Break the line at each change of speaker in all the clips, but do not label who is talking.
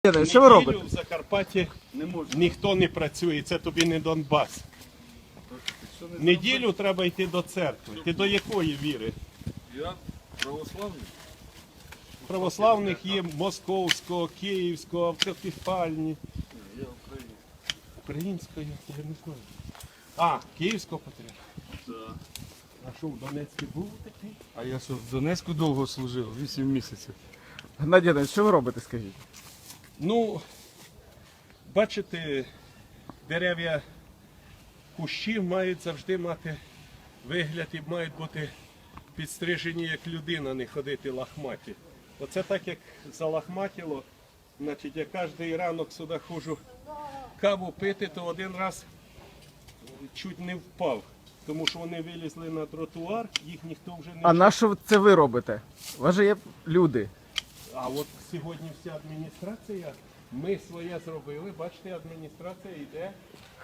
Що ви робите?
В Закарпатті ніхто не працює, це тобі не Донбас. Неділю треба йти до церкви. Ти до якої віри?
Я православний.
Православних є московського, київського, автокефальні.
Я українець.
Українського я не знаю. А, київського патріарха.
Так.
А що, в Донецьку був такий?
А я що, в Донецьку довго служив, 8 місяців.
Геннадій Іванович, що ви робите, скажіть?
Ну, бачите, дерев'я, кущі мають завжди мати вигляд і мають бути підстрижені як людина, не ходити лахматі. Оце так як залахматіло, значить я кожен ранок сюди ходжу каву пити, то один раз чуть не впав. Тому що вони вилізли на тротуар, їх ніхто вже не...
А на що це ви робите? У вас же є люди.
А от сьогодні вся адміністрація, ми своє зробили, бачите, адміністрація йде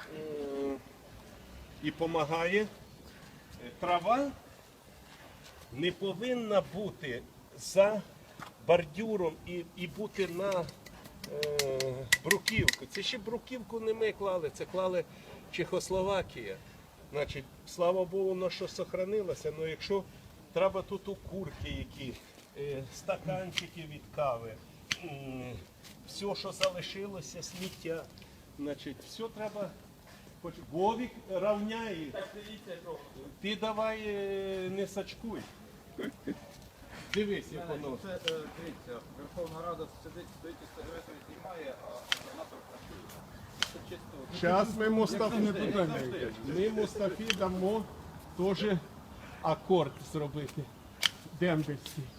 і допомагає. Трава не повинна бути за бордюром і бути на бруківку. Це ще бруківку не ми клали, це клали Чехословакія. Значить, слава Богу, воно що сохранилося, але якщо треба тут окурки які, стаканчики від кави, все, що залишилося, сміття, значить, все треба, Вовік равняє, ти давай не сачкуй. Дивись, як воно.
Це, дивіться, Верховна Рада сидить, стоїть і сигарету знімає, а губернатор працює. Це чисто.
Зараз ми Мустафі дамо теж акорд зробити дембельський.